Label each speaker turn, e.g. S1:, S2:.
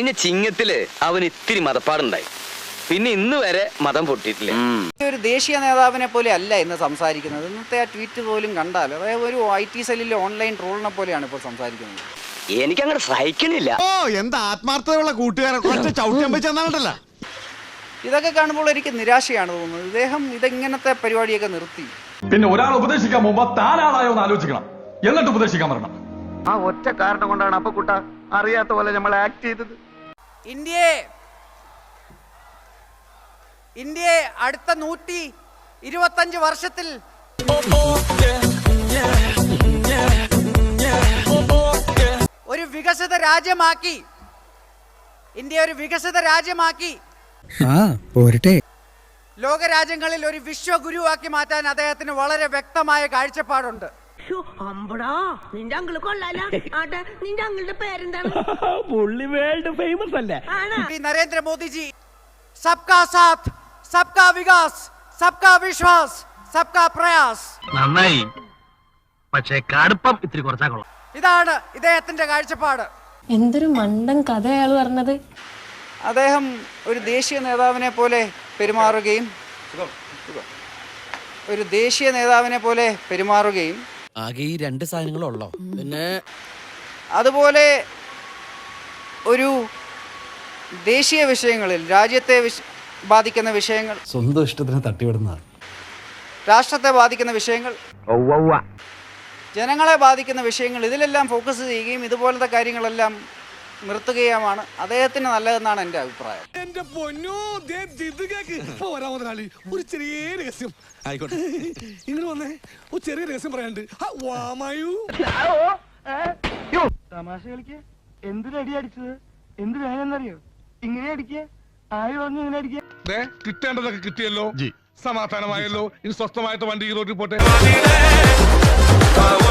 S1: കഴിഞ്ഞ ചിങ്ങത്തില് അവന് ഇത്തിരി മതപ്പാടുണ്ടായി. പിന്നെ ഇന്ന് വരെ മതം പൊട്ടിയിട്ടില്ല.
S2: ഒരു ദേശീയ നേതാവിനെ പോലെ അല്ല ഇന്ന് സംസാരിക്കുന്നത്. ഇന്നത്തെ ആ ട്വീറ്റ് പോലും കണ്ടാൽ അതായത് ഒരു IT സെല്ലിലെ ഓൺലൈൻ ട്രോളിനെ പോലെയാണ് ഇപ്പോൾ സംസാരിക്കുന്നത്.
S1: എനിക്കങ്ങനെ സഹിക്കണില്ല.
S3: ഓ എന്താ ആത്മാർത്ഥതയുള്ള കൂട്ടുകാരെ ചവിട്ടിയല്ല.
S2: ഇതൊക്കെ കാണുമ്പോൾ എനിക്ക് നിരാശയാണ് തോന്നുന്നത്. ഇദ്ദേഹം ഇതെങ്ങനത്തെ പരിപാടിയൊക്കെ നിർത്തി.
S4: പിന്നെ ഒരാൾ ഉപദേശിക്കാൻ മുമ്പ് താനാളായോ എന്ന് ആലോചിക്കണം, എന്നിട്ട് ഉപദേശിക്കാൻ വരണം.
S5: ആ ഒറ്റ കാരണം കൊണ്ടാണ് അപ്പക്കുട്ട അറിയാത്ത പോലെ നമ്മൾ ആക്ട് ചെയ്തത്.
S2: ഇന്ത്യയെ അടുത്ത 125 വർഷത്തിൽ ഒരു വികസിത രാജ്യമാക്കി, ഇന്ത്യ ഒരു വികസിത രാജ്യമാക്കി ലോകരാജ്യങ്ങളിൽ ഒരു വിശ്വഗുരുവാക്കി മാറ്റാൻ അദ്ദേഹത്തിന് വളരെ വ്യക്തമായ കാഴ്ചപ്പാടുണ്ട്.
S6: നിന്റെ അങ്കിള് കൊള്ളാല. നിന്റെ അങ്കിളുടെ പേരെന്താണ്?
S7: പുള്ളി വേൾഡ് ഫേമസ് അല്ലേ?
S2: നരേന്ദ്രമോദിജി സബ്കാ സാത്ത് സബ്കാ വികാസ് സബ്കാ വിശ്വാസ് സബ്കാ പ്രയാസ്.
S7: നന്നായി, പക്ഷേ കടുപ്പം ഇത്തിരി കുറച്ചാ കൊള്ളാം.
S2: ഇതാണ് ഇദ്ദേഹത്തിന്റെ കാഴ്ചപ്പാട്.
S8: എന്തൊരു മണ്ടൻ കഥ അയാൾ പറഞ്ഞത്.
S2: അദ്ദേഹം ഒരു ദേശീയ നേതാവിനെ പോലെ പെരുമാറുകയും
S9: ആകെ ഈ 2 സാധനങ്ങളുള്ളോ? പിന്നെ
S2: അതുപോലെ ഒരു ദേശീയ വിഷയങ്ങളിൽ, രാജ്യത്തെ ബാധിക്കുന്ന വിഷയങ്ങൾ,
S3: സ്വന്തം ഇഷ്ടത്തിന് തട്ടിവിടുന്നതാണ്.
S2: രാഷ്ട്രത്തെ ബാധിക്കുന്ന വിഷയങ്ങൾ, ജനങ്ങളെ ബാധിക്കുന്ന വിഷയങ്ങൾ, ഇതിലെല്ലാം ഫോക്കസ് ചെയ്യുകയും ഇതുപോലത്തെ കാര്യങ്ങളെല്ലാം നിർത്തുകയുമാണ് അദ്ദേഹത്തിന് നല്ലതെന്നാണ് എൻ്റെ അഭിപ്രായം.
S3: എന്റെ പൊന്നോ, പോരാ മുതലാളി, ഒരു ചെറിയ രഹസ്യം ആയിക്കോട്ടെ. ഇങ്ങനെ വന്നേ, ഒരു ചെറിയ രഹസ്യം പറയാണ്ട്.
S7: തമാശ കളിക്ക്. എന്തിനടി അടിച്ചത്? എന്ത് വേണമെന്നറിയോ? ഇങ്ങനെ അടിക്കുക. ആര് പറഞ്ഞു ഇങ്ങനെ അടിക്കുക?
S3: കിട്ടേണ്ടതൊക്കെ കിട്ടിയല്ലോ, സമാധാനമായല്ലോ. ഇനി സ്വസ്ഥമായിട്ട് വണ്ടി ഈ റോഡിൽ പോട്ടെ.